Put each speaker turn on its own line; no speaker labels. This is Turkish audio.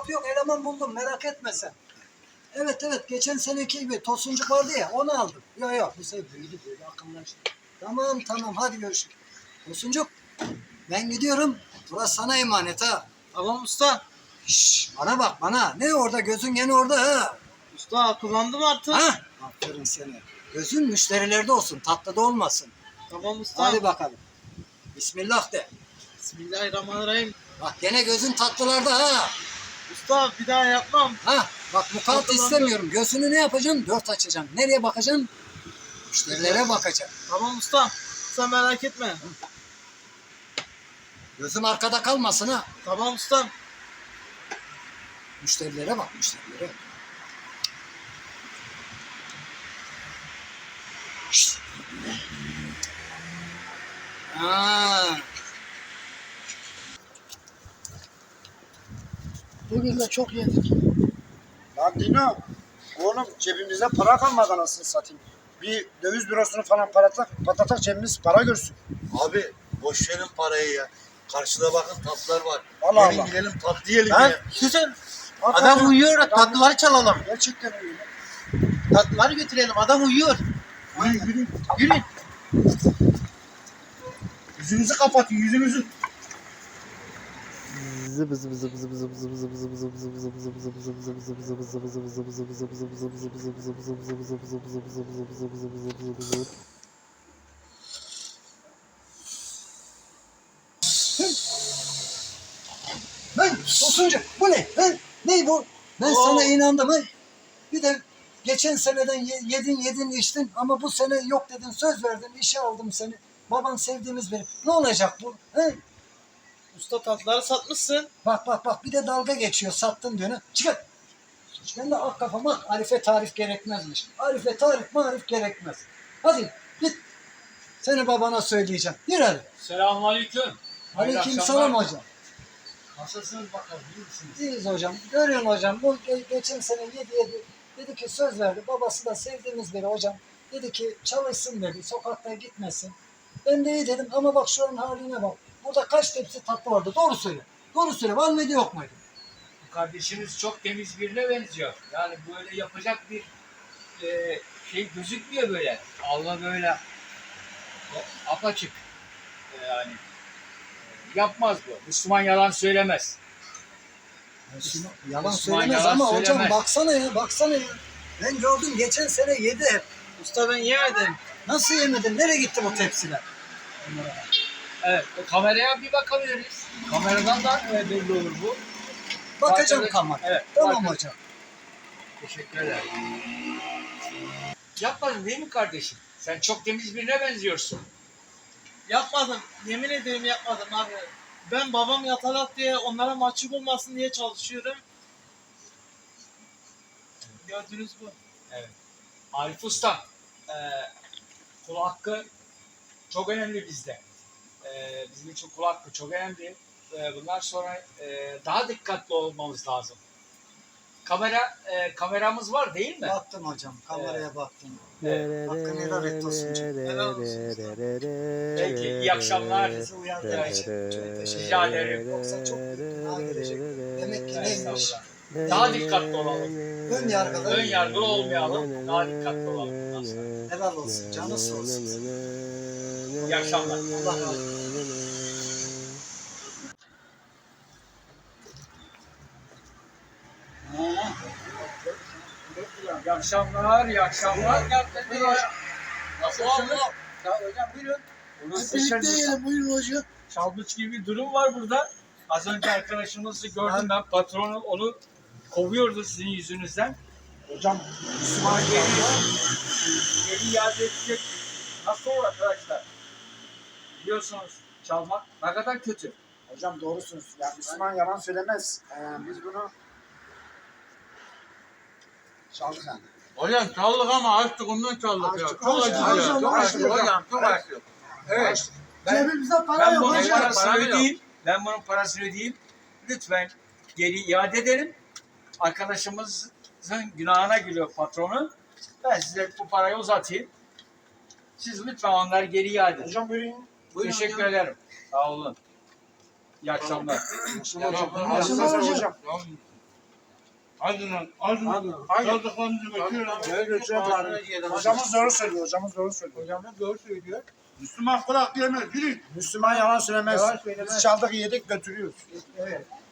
yok eleman buldum merak etme sen. Evet geçen seneki gibi tosuncuk vardı ya onu aldım. Yok bu sefer büyüdü böyle akıllaştı. Tamam hadi görüşürüz. Tosuncuk ben gidiyorum. Burası sana emanet ha.
Tamam usta.
Şşş bana bak bana. Ne orada gözün gene orada ha.
Usta akıllandım artık.
Ha? Aferin seni. Gözün müşterilerde olsun tatlıda olmasın.
Tamam usta.
Hadi bakalım. Bismillah de.
Bismillahirrahmanirrahim.
Bak gene gözün tatlılarda ha.
Usta bir daha yapmam.
Ha bak mukat
Tatlılarda.
istemiyorum. Gözünü ne yapacaksın? Dört açacaksın. Nereye bakacaksın? Müşterilere bakacaksın.
Tamam usta. Sen merak etme.
Gözün arkada kalmasın ha.
Tamam usta.
Müşterilere bak müşterilere. Şşt. Ha.
Bugün de çok yedik.
Lan Dino, oğlum cebimizde para kalmadı anasını satayım. Bir döviz bürosunu falan patlatak cebimiz para görsün.
Abi boş verin parayı ya. Karşıda bakın tatlılar var.
Allah
Gelin
Allah.
gidelim tatlı yiyelim
Lan
ya.
güzel.
Hakikaten
Adam uyuyor.
adam-
Tatlıları çalalım.
Gerçekten öyle.
Tatlıları götürelim. Adam uyuyor.
Yürü.
Yürü.
Yüzünüzü kapatın yüzünüzü.
Hey Tosuncu bu ne? Hey, ne bu? Ben sana inandım. Hey. Bir de geçen seneden yedin içtin ama bu sene yok dedin söz verdin işe aldım seni. Baban sevdiğimiz biri. Ne olacak bu? Hey.
Usta tatlıları satmışsın.
Bak bir de dalga geçiyor sattın diyor. Ne? Çıkar. Ben de ak kafama arife tarif gerekmezmiş. Arife tarif marif gerekmez. Hadi git. Seni babana söyleyeceğim. Yürü hadi.
Selamünaleyküm.
Aleykümselam hocam.
Nasılsınız bakalım, iyi misiniz?
İyiyiz hocam. Görüyorsun hocam. Bu geçen sene yedi. Dedi ki söz verdi. Babası da sevdiğimiz biri hocam. Dedi ki çalışsın dedi. Sokakta gitmesin. Ben de iyi dedim ama bak şu an haline bak. Burada kaç tepsi tatlı vardı. Doğru söyle. Doğru söyle. Var mıydı yok muydu?
Bu kardeşiniz çok temiz birine benziyor. Yani böyle yapacak bir şey gözükmüyor böyle. Allah böyle apaçık. Yani yapmaz bu. Müslüman yalan söylemez.
Yalan
Müslüman
söylemez
yalan
ama hocam
söylemez.
baksana ya. Ben gördüm geçen sene yedi hep.
Usta ben yemedim.
Nasıl yemedin? Nereye gitti bu tepsiler?
Evet, o kameraya bir bakabiliriz. Kameradan da belli olur bu.
Bakacağım
Bakın,
kamera.
evet,
Tamam
bakın.
hocam.
Teşekkür ederim. Yapmadın değil mi kardeşim? Sen çok temiz birine benziyorsun.
Yapmadım. Yemin ederim yapmadım abi. Ben babam yatalak diye onlara mahcup olmasın diye çalışıyorum. Gördünüz bu.
Arif Usta, kul hakkı çok önemli bizde. Bizim için kul hakkı çok önemli. Bundan sonra daha dikkatli olmamız lazım. Kameramız var değil mi?
Baktım hocam. Kameraya baktım. Hakkını helal et Tosuncu.
Helal olsun usta.
Peki, iyi akşamlar.
Bizi uyardığın için çok teşekkür
Rica
ederim.
ederim.
Yoksa çok büyük günah gelecek. Demek ki neymiş?
Daha dikkatli olalım.
Ön yargılı.
Ön yargılı olmayalım. Daha dikkatli olalım bundan sonra.
Helal olsun. Canı sağ olsun.
İyi akşamlar.
Allah razı olsun.
İyi akşamlar, iyi akşamlar. Nasılsınız?
Hocam buyurun.
Birlikte yiyelim buyurun hocam.
Çalmış gibi bir durum var burada. Az önce arkadaşımızı gördüm ben. Patronu onu kovuyordu sizin yüzünüzden.
Hocam
Müslüman geri iade edecek. Nasıl olur arkadaşlar? Biliyorsunuz çalmak ne kadar kötü.
hocam doğrusunuz. Ya Müslüman yalan söylemez. Biz bunu çaldık yani.
Hocam çaldık ama açtık ondan çaldık ya.
Açtık,
Çok
açtık,
acı ya.
açtık,
Çok
açtık
acı
hocam.
hocam. Çok acı.
Evet.
Cebimizde para
Ben
yok
bunun
hocam.
parasını ödeyeyim. Ben bunun parasını ödeyeyim. Lütfen geri iade edelim. Arkadaşımızın günahına giriyor patronu. Ben size bu parayı uzatayım. Siz lütfen onları geri iade edin.
Hocam buyurun.
Teşekkür ederim. Sağ olun. İyi akşamlar.
Hocam.
Akşamlar hocam.
Tamam. Hadi lan. Hadi. Çaldıklarınızı götürün.
Ne götürüyor bari? Hocamız doğru söylüyor. Hocamız doğru söylüyor.
Hocamız doğru söylüyor.
Müslüman kulak yemez. Yürü.
Müslüman yalan söylemez.
Yalan söylemez.
Biz çaldık yedik götürüyoruz.
Evet.